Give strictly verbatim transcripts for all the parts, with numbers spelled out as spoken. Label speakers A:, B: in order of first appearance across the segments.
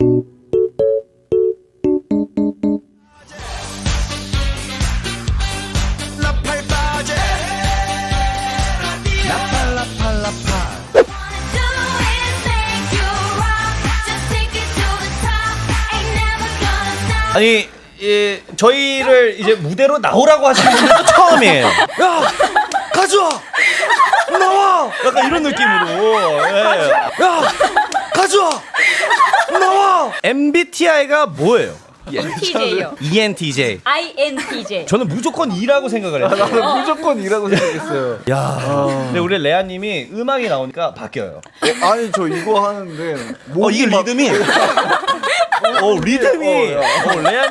A: 아니, 예, 저희를 이제 무대로 나오라고 하시는 분도 처음이에요. 야, 가져와, 나와. 약간 이런 느낌으로. 예. 야, 가져와, 나와. 엠비티아이가 뭐예요?
B: 엔티제이요.
A: 이엔티제이.
B: 아이엔티제이.
A: 저는 무조건 E라고 생각을 했어요.
C: 나는 무조건 이라고 생각했어요.
A: 야, 근데 우리 레아님이 음악이 나오니까 바뀌어요.
C: 어, 아니 저 이거 하는데
A: 어, 이게
C: 막-
A: 리듬이. 어, 리듬이.
C: 어, 야.
A: 어, 레아.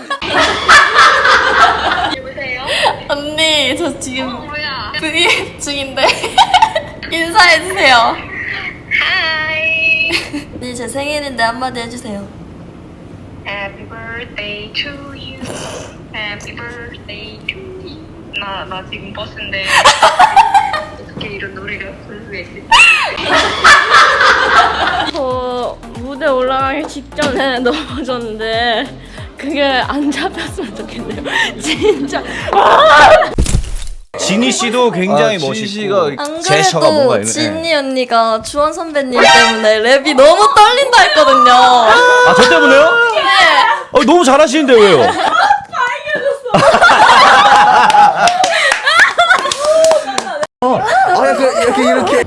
D: 여보세요?
E: 언니 저 지금
D: 어, 뭐야?
E: 브이앱 중인데 인사해주세요.
D: 하이.
E: 언니 제 생일인데 한마디 해주세요.
D: Happy birthday to you. Happy birthday to you. 나, 나 지금 버스인데 어떻게 이런 노래가 부를 수가 있지?
E: 저 무대 올라가기 직전에 넘어졌는데 그게 안 잡혔으면 좋겠네요. 진짜.
A: 지니 씨도 굉장히
C: 아, 지니
A: 멋있고.
C: 씨가
E: 안
A: 제셔가 뭔가
E: 그래도
A: 있네.
E: 진이 언니가 주원 선배님 때문에 랩이 너무 떨린다 했거든요.
A: 아, 저 때문에요?
E: 네.
A: 어, 너무 잘하시는데 왜요?
C: 아 약간 이렇게 이렇게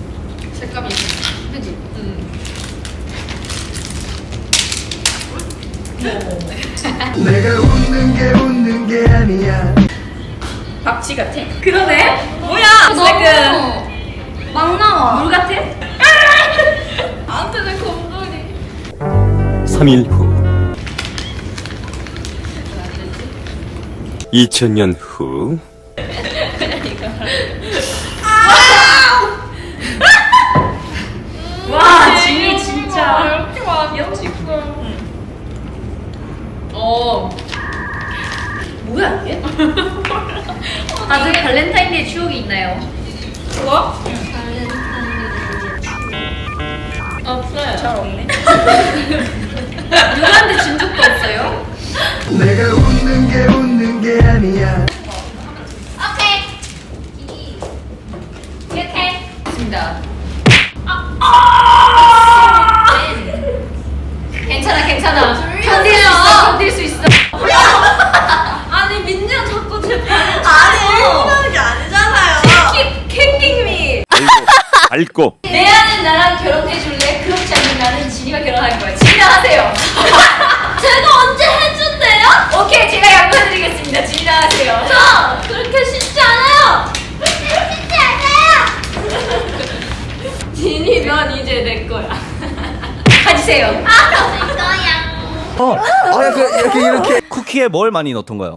F: 내가 웃는 게 웃는 게 아니야.
B: 박쥐 같아. 그러네. 뭐야? 너무 막 나와. 물 같아? 나한테 내 곰돌이.
G: 삼 일 후 이천 년 후
B: 와, 진이 진짜. 이렇게 귀엽지? 응. 어. 뭐야 이게? 다들 발렌타인데이 추억이 있나요? 추억? 응. 없어요. 잘 없네. 누구한테 준 적도 없어요?
F: 내가 웃는 게 웃는 게 아니야.
B: 오케이. 이렇게. 좋습니다. 괜찮아, 괜찮아. 견딜 수 있어, 견딜 수 있어. 아니, 민지가 자꾸 제 발을
E: 아니 이러는 게 아니잖아요.
B: Keep kicking me.
G: 밟고
B: 레아는 나랑 결혼해줄래? 그렇지 않으면 나는 진이가 결혼할 거야. 진이랑 하세요.
E: 제가 언제 해준대요?
B: 오케이, 제가 양보해드리겠습니다. 진이랑 하세요.
E: 저 그렇게 쉽지 않아요. 그렇게 쉽지 않아요.
B: 진이면 이제 내 거야. 가지세요.
E: 아, 내 거야.
A: 어,
C: 아 약간 이렇게 이렇게
A: 쿠키에 뭘 많이 넣던가요?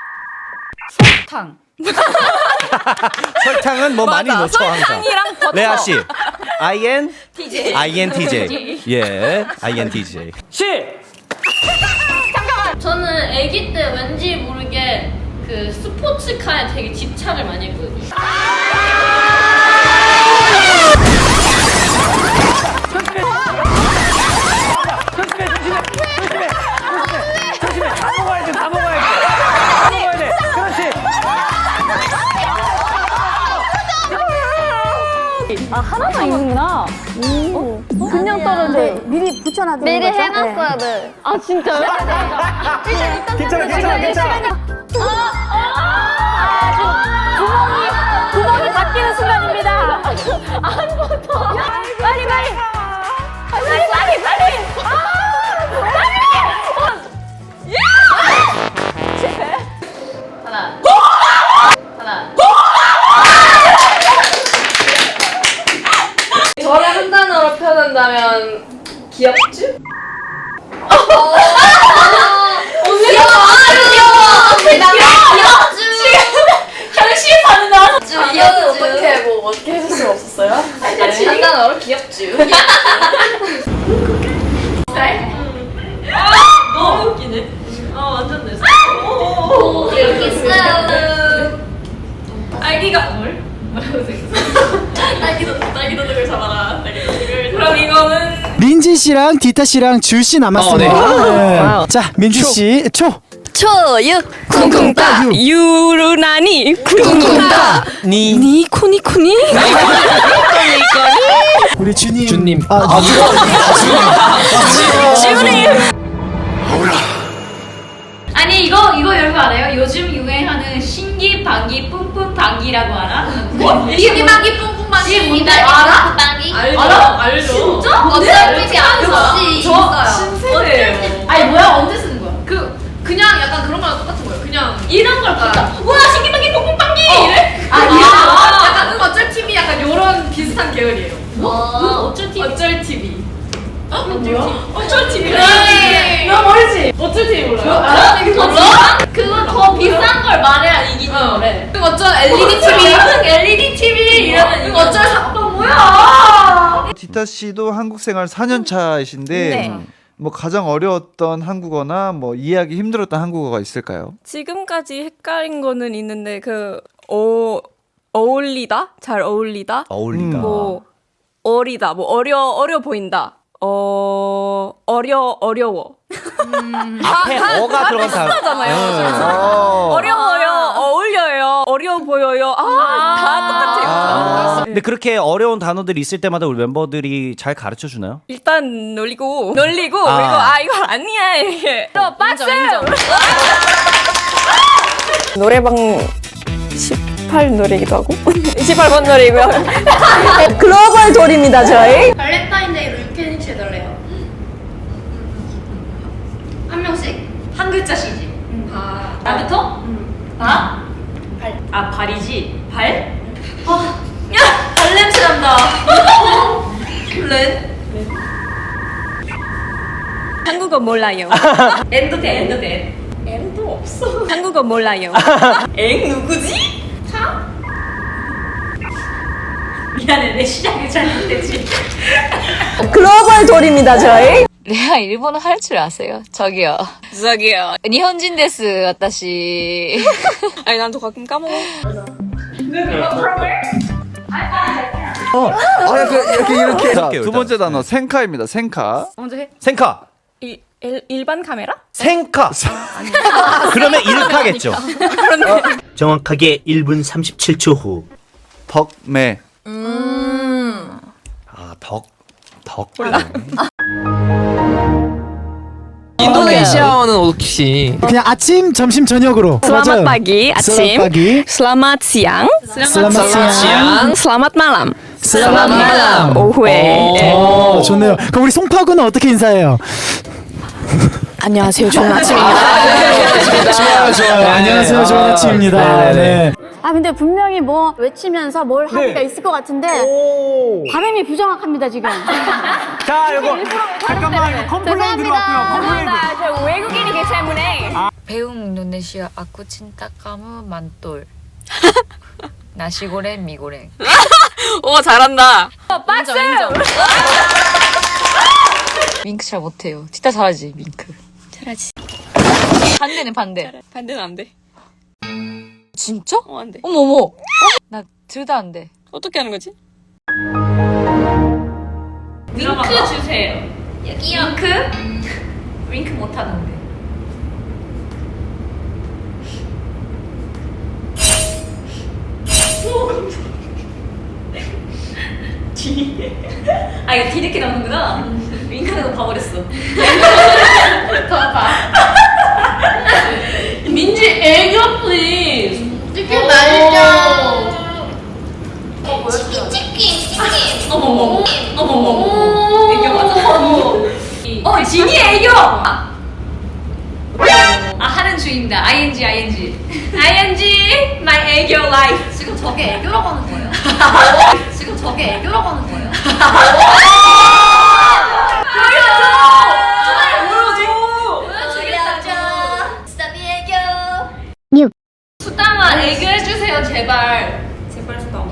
B: 탕.
A: 설탕은 뭐 많이 넣죠 항상.
B: 설탕이랑 버터.
A: 레아 씨, 아이엔
B: 티제이.
A: 아이엔티제이. 예, 아이엔티제이.
E: 저는 아기 때 왠지 모르게 그 스포츠카에 되게 집착을 많이 했거든요.
H: 아 하나만 있는구나. 오. 그냥 떨어져. 미리 붙여놔두는
E: 미리
H: 거죠?
E: 해놨어야 돼.
H: 아 진짜요?
A: 괜찮아, 괜찮아, 괜찮아.
H: 구멍이 구멍이 바뀌는 순간입니다. 아무것도. 빨리 빨리. 빨리 빨리 빨리.
B: 하나. 하나.
E: 저를 한 단어로 표현한다면 귀엽죠?
B: 언니 귀여워. 귀여워. 현실 반응 나왔어.
E: 이거는 어떻게 뭐 어떻게 해줄 수 없었어요? 한 단어로 귀엽죠.
B: 너무 웃기네. 아 완전 내
E: 여기 있어요.
B: 딸기가 뭘? 뭐라고 생겼어? 딸기 도둑, 딸기 도둑을 잡아라. 딸기 도둑을. 그럼 이거는
A: 민지
I: 민지 씨랑 디타 씨랑 줄 씨 남았습니다. 네. 자, 민지 씨 초.
H: 초유 쿵쿵따 유루나니 쿵쿵따
I: 니.
H: 니코니코니
I: 우리 주님.
C: 주님.
I: 아,
H: 주님
B: 아니 이거 이거 여러분 알아요? 요즘 유행하는 신기 방기 뿜뿜 방기라고 알아? 뭐? 신기 방기 뿜뿜 방기 뭔지 알아? 방기 알죠. 알아? 알죠. 진짜? 어쩔 역시 있어요. 신세대예요. 아니 뭐야 언제 쓰는 거야? 그 그냥 약간 그런 거랑 똑같은 거예요. 그냥 이런 걸 봤다. 뭐야 신기 방기 뿜뿜 방기 이래? 아니야. 약간 응 어쩔 티비 약간 요런 비슷한 계열이에요. 뭐? 응 어쩔 티비? 어쩔 티비. 어? 뭐야? 어쩔 티비. 나 모르지. 어쩔 티비 몰라요? 아, 이거 몰라? 그거 더 비싼 걸 말해야 이기는 거래. 그 어쩔 엘이디 티비. 엘이디 티비 이러면 이거 어쩔 사. 너 뭐야?
C: 디타 씨도 한국 생활 사 년 차이신데
H: 네.
C: 뭐 가장 어려웠던 한국어나 뭐 이해하기 힘들었던 한국어가 있을까요?
H: 지금까지 헷갈린 거는 있는데 그 어, 어울리다? 잘 어울리다?
A: 어울리다.
H: 뭐 어리다 뭐 어려 어려 보인다 어 어려 어려워
A: 앞에 어가 들어간 다.
H: 하잖아요.
C: 어.
H: 어려워요 어울려요 어려워 보여요 아 다 똑같아요.
C: 아.
A: 근데 그렇게 어려운 단어들이 있을 때마다 우리 멤버들이 잘 가르쳐 주나요?
H: 일단 놀리고 놀리고
A: 아.
H: 그리고 아 이거 아니야 이게 또 박수 노래방 십팔 노래기도 하고 이십팔 번 노래고요. 글로벌 돌입니다 저희.
B: 발렌타인데이로 유캐니치 해달래요. 한 명씩 한 글자씩이지. 바. 나부터? 바? 발. 아 발이지. 발? 아, 야, 발 냄새 난다. 렌?
H: 한국어 몰라요.
B: 엔도 돼, 엔도 돼. 엔도 없어.
H: 한국어 몰라요.
B: 엥 누구지? 차? 미안해 내 시작이 잘못됐지.
H: 글로벌 돌입니다 저희.
J: 레아 일본어 할 줄 아세요? 저기요.
H: 저기요.
J: 일본인 데스, 와타시.
H: 아니 난 또 가끔 까먹어.
C: 어. 아, 그, 이렇게 이렇게. 자,
A: 일단.
C: 두 번째 단어 생카입니다. 생카.
H: 먼저 해.
A: 생카.
H: 일, 일, 일반 카메라?
A: 생카. 그러면 일카겠죠.
K: 정확하게 일 분 삼십칠 초 후.
C: 덕매.
A: 아, 덕. 덕.
L: 인도네시아어는 혹시
I: 그냥 아침, 점심, 저녁으로.
H: Selamat pagi, 아침.
I: Selamat pagi.
H: Selamat siang.
I: Selamat siang.
H: Selamat malam.
I: Selamat malam.
H: 오후에.
I: 오, 좋네요. 그럼 우리 송파구는 어떻게 인사해요?
H: 안녕하세요. 좋은 아침입니다.
I: 좋아요, 좋아요. 안녕하세요. 좋은 아침입니다. 네.
M: 아 근데 분명히 뭐 외치면서 뭘 하기가 있을 것 같은데 발음이 부정확합니다 지금.
I: 자, 이거 잠깐만 이거 컴플레인 들어왔고요. 컴플레인.
H: 저 외국인이기 때문에.
J: 배웅 인도네시아 아쿠 친타 까무 만돌. 나시고랭 미고랭.
H: 오 잘한다.
J: 박수! 밍크 잘 못해요. 진짜 잘하지, 밍크.
H: 잘하지.
J: 반대는 반대.
H: 반대는 안 돼.
J: 진짜?
H: 어, 안 돼.
J: 어머머. 나 둘 다 안 돼.
H: 어떻게 하는 거지?
B: 윙크 주세요. 여기요. 윙크? 윙크 못 하는데. 아 이거 뒤늦게 나오는구나. 윙크는 봐버렸어. 더 봐. 민지 애교 플리즈. 치킨 말자. 치킨 치킨 치킨. 어머머. 어머머. 애교 맞아. 어 진이 애교. 아 하는 중입니다. 아이엔지 아이엔지. 아이엔지 my 애교 life. 지금 저게 애교라고 하는 거예요? 지금 저게 애교라고 하는 거예요? 보여줘! 주말 보여줘! 보여주겠다. 스타비 애교. 수담아 애교 해주세요 제발. 제발 수담아.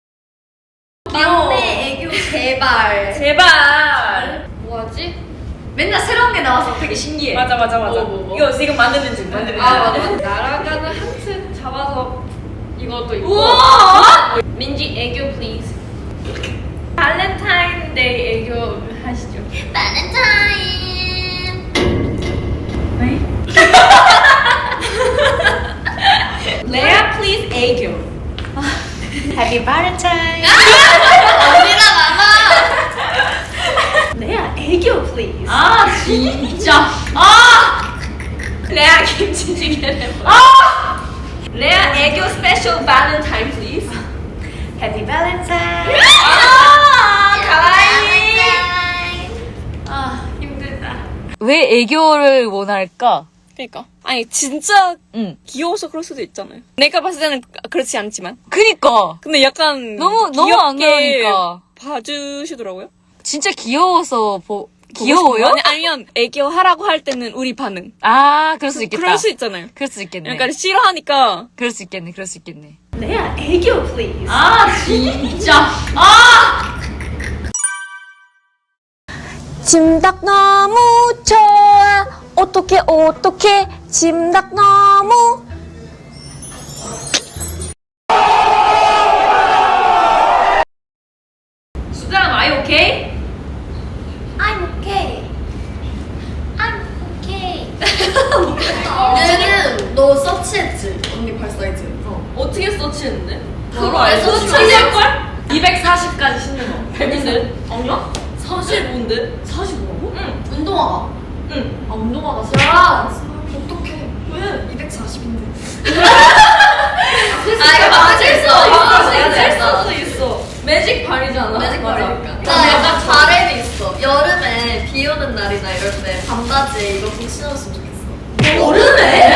B: 막내 애교 제발. 제발. 뭐하지? 맨날 새로운 게 나와서 되게 신기해.
H: 맞아 맞아 맞아.
E: 뭐, 뭐, 뭐?
H: 이거 지금 만드는 중 만드는 중.
E: 아 맞아. 날아가는 하트 잡아서 이것도 있고.
B: 우와!
E: 민지 애교 please. 발렌타인데이 애교 하시죠.
B: 발렌타인. 레아 please 애교. Happy Valentine. 언니랑 아마. 레아 애교 please. 아 진짜. 아. 레아 김치찌개를. 아. 레아 애교 스페셜 발렌타인 please. Happy Valentine. 아 가와이. 아 힘들다.
J: 왜 애교를 원할까?
H: 그러니까 아니 진짜
J: 응.
H: 귀여워서 그럴 수도 있잖아요. 내가 봤을 때는 그렇지 않지만.
J: 그니까
H: 근데 약간
J: 너무 너무 안 그러니까
H: 봐주시더라고요.
J: 진짜 귀여워서 보
H: 보고
J: 귀여워요?
H: 싶은 거? 아니, 아니면 애교 하라고 할 때는 우리 반응.
J: 아 그럴 수 있겠다.
H: 그럴 수 있잖아요.
J: 그럴 수 있겠네.
H: 약간 싫어하니까.
J: 그럴 수 있겠네. 그럴 수 있겠네.
B: 레아 애교 please. 아 진짜. 아.
M: 짐닭 너무 좋아. 어떡해 어떡해 짐닭 너무.
B: 수담 are you okay?
M: I'm okay. I'm okay.
B: 얘는 너 서치했지? 언니 발사이즈. 어.
E: 어떻게 서치했는데?
B: 그거
E: 알고
B: 서치
E: 서치할
B: 걸?
E: 이백사십까지 신는 거. 백인데? 아니야? 사십오인데? 사십오라고? 응.
B: 운동화가.
E: 응.
B: 아 운동화가 야 어떡해.
E: 왜?
B: 이백사십인데.
E: 아
B: 이거 맞을 수 있어.
E: 맞을 수도 있어. 매직 발이잖아.
B: 매직
E: 맞아.
B: 발이니까.
E: 나
B: 약간 바램이 있어. 여름에 비 오는 날이나 이럴 때 반바지에 이거 꼭 신어줬으면 좋겠어. 여름에?